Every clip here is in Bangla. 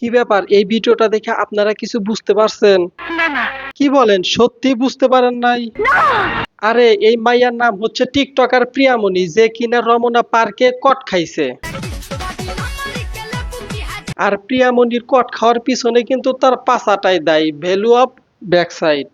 কি ব্যাপার, এই ভিডিওটা দেখে আপনারা কিছু বুঝতে পারছেন? কি বলেন, সত্যি বুঝতে পারেন নাই? আরে এই মাইয়ার নাম হচ্ছে টিকটকার প্রিয়ামণি, যে কিনা রমনা পার্কে কট খাইছে। আর প্রিয়ামণির কট খাওয়ার পিছনে কিন্তু তার পাছাটাই দায়ী, ভ্যালু অফ ব্যাকসাইড।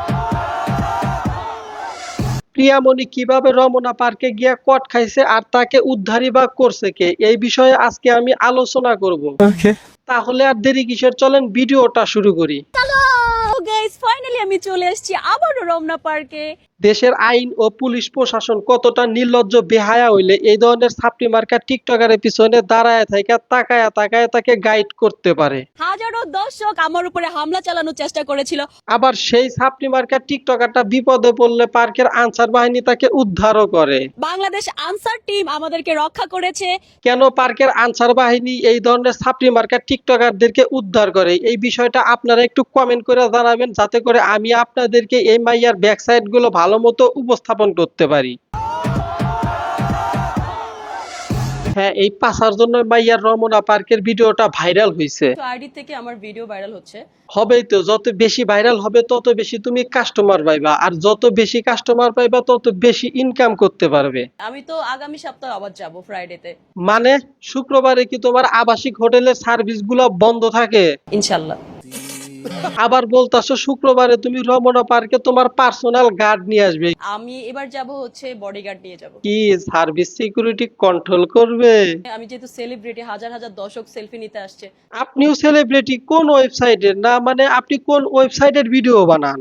প্রিয়ামণি কিভাবে রমনা পার্কে গিয়া কট খাইছে আর তাকে উদ্ধারই বা করছে কে, এই বিষয়ে আজকে আমি আলোচনা করব। তাহলে আর দেরি কিসের, চলেন ভিডিওটা শুরু করি। গাইস ফাইনালি আমি চলে এসেছি আবারও রমনা পার্কে। দেশের আইন ও পুলিশ প্রশাসন কতটা নির্লজ্জ বেহায়া হইলে এই ধরনের ছাপড়ি মার্কা টিকটকারের পিছনে দাঁড়ায় থাকা তাকায়া তাকায়া তাকে গাইড করতে পারে। হাজারো দর্শক আমার উপরে হামলা চালানোর চেষ্টা করেছিল, আবার সেই ছাপড়ি মার্কা টিকটকারটা বিপদে পড়লে পার্কের আনসার বাহিনী তাকে উদ্ধারও করে। বাংলাদেশ আনসার টিম আমাদেরকে রক্ষা করেছে। কেন পার্কের আনসার বাহিনী এই ধরনের ছাপড়ি মার্কা টিকটকারদেরকে উদ্ধার করে, এই বিষয়টা আপনারা একটু কমেন্ট করে জানাবেন, যাতে করে আমি আপনাদেরকে এই মাইয়ার ব্যাকসাইড গুলো ভালো মতো উপস্থাপন করতে পারি। হ্যাঁ, এই পাশার জন্য মাইয়ার রমনা পার্কের ভিডিওটা ভাইরাল হয়েছে। আইডি থেকে আমার ভিডিও ভাইরাল হচ্ছে। হবেই তো, যত বেশি ভাইরাল হবে তত বেশি তুমি কাস্টমার পাইবা, আর যত বেশি কাস্টমার পাইবা তত বেশি ইনকাম করতে পারবে। আমি তো আগামী সপ্তাহে আবার যাব ফ্রাইডেতে। মানে শুক্রবারে কি তোমার আবাসিক হোটেলের সার্ভিস গুলো বন্ধ থাকে? ইনশাআল্লাহ। আবার বলতাছো শুক্রবারে তুমি রমনা পার্কে তোমার পার্সোনাল গার্ড নিয়ে আসবে? আমি এবার যাব হচ্ছে বডিগার্ড নিয়ে যাব। কি সার্ভিস সিকিউরিটি কন্ট্রোল করবে? আমি যেহেতু সেলিব্রিটি, হাজার হাজার দর্শক সেলফি নিতে আসছে। আপনিও সেলিব্রিটি? কোন ওয়েবসাইটের? না মানে আপনি কোন ওয়েবসাইটের ভিডিও বানান?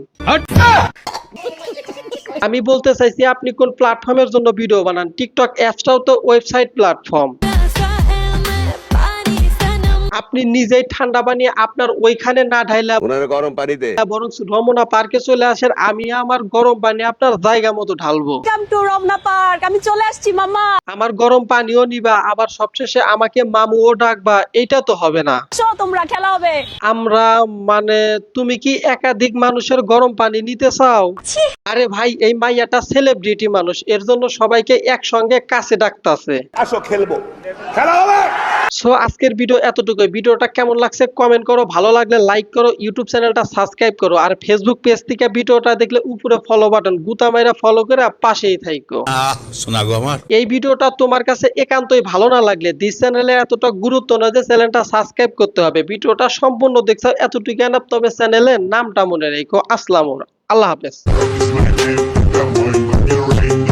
আমি বলতে চাইছি আপনি কোন প্ল্যাটফর্মের জন্য ভিডিও বানান? টিকটক অ্যাপসটাও তো ওয়েবসাইট প্ল্যাটফর্ম। আপনি নিজেই ঠান্ডা বানিয়ে আপনার ওইখানে না ঢাইলা গরম পানিতে বরং রমনা পার্কে চলে আসেন, আমি আমার গরম পানি আপনার জায়গা মতো ঢালবো। Welcome to Ramna park. আমি চলে আসছি মামা। আমার গরম পানিও নিবা, আবার সবশেষে আমাকে মামুও ডাকবা, এইটা তো হবে না। চো তোমরা খেলা হবে। আমরা মানে তুমি কি একাধিক মানুষের গরম পানি নিতে চাও? আরে ভাই, এই মাইয়াটা সেলিব্রিটি মানুষ, এর জন্য সবাইকে একসঙ্গে কাছে ডাকতাছে। আসো খেলবো, খেলা হবে। সো আজকের ভিডিও এতটুকুই। ভিডিওটা কেমন লাগছে কমেন্ট করো, ভালো লাগলে লাইক করো, ইউটিউব চ্যানেলটা সাবস্ক্রাইব করো, আর ফেসবুক পেজ থেকে ভিডিওটা দেখলে উপরে ফলো বাটন গুতা মাইরা ফলো করে পাশেই থাইকো। শোনা গো আমার, এই ভিডিওটা তোমার কাছে একান্তই ভালো না লাগলে দিস চ্যানেলে এতটা গুরুত্ব না যে চ্যানেলটা সাবস্ক্রাইব করতে হবে। ভিডিওটা সম্পূর্ণ দেখছো এতটুকু না, তবে চ্যানেলের নামটা মনে রেখো। আসসালামু আলাইকুম, আল্লাহ হাফেজ।